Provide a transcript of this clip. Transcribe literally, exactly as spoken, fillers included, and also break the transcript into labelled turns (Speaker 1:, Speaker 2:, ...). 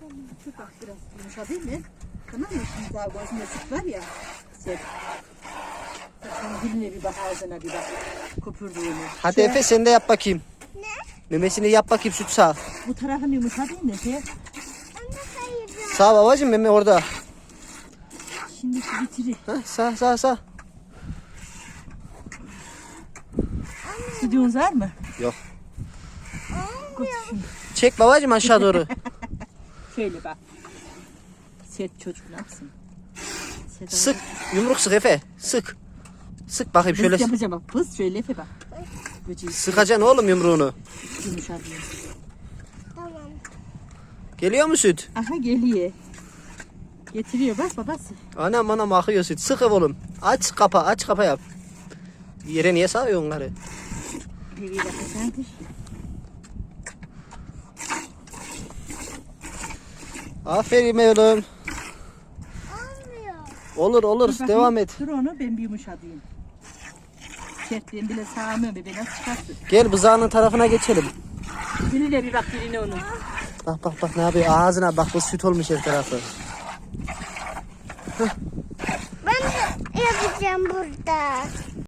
Speaker 1: Şu bak biraz yumuşadı değil mi? Tamam mı? Şimdi daha gözünde süt var ya. Sen. Sen diline bir bak, ağzına bir bak. Köpürdüğünü.
Speaker 2: Hadi
Speaker 1: Şu-
Speaker 2: Efe sen de yap bakayım.
Speaker 3: Ne?
Speaker 2: Memesini yap bakayım süt sağ.
Speaker 1: Bu tarafın yumuşadı değil mi? Şey,
Speaker 3: Anne hayır.
Speaker 2: Sağ babacığım meme orada.
Speaker 1: şimdi şu bitiri.
Speaker 2: Ha, sağ sağ sağ.
Speaker 1: Sütünüz var mı?
Speaker 2: Yok.
Speaker 1: Götür şunu.
Speaker 2: Çek babacığım aşağı doğru.
Speaker 1: Şöyle bak. Sert çocuk ne yapsın? Sert
Speaker 2: Sık. Yumruk sık Efe. Sık. Sık bakayım
Speaker 1: Şöyle.
Speaker 2: şöyle.
Speaker 1: Yapacağım bak. Pız şöyle Efe bak. Böceği
Speaker 2: Sıkacaksın oğlum yumruğunu.
Speaker 1: yumuşadı.
Speaker 3: Tamam.
Speaker 2: Geliyor mu süt?
Speaker 1: Aha geliyor. Getiriyor bak babası.
Speaker 2: Anam anam akıyor süt. Sık oğlum. Aç kapa aç kapa yap. Yere niye sağıyor onları?
Speaker 1: Bir dakika sen dur.
Speaker 2: Aferin oğlum.
Speaker 3: Olmuyor.
Speaker 2: Olur olur
Speaker 1: Dur bakayım,
Speaker 2: devam et.
Speaker 1: Dur onu ben bir yumuşatayım. Sertliğim bile sağlamıyor be, nasıl çıkarsın?
Speaker 2: Gel bızağının tarafına geçelim.
Speaker 1: Diline bir bak, diline onun.
Speaker 2: Bak bak bak ne yapıyor ağzına bak bu süt olmuş her tarafı.
Speaker 3: Ben de yapacağım burada.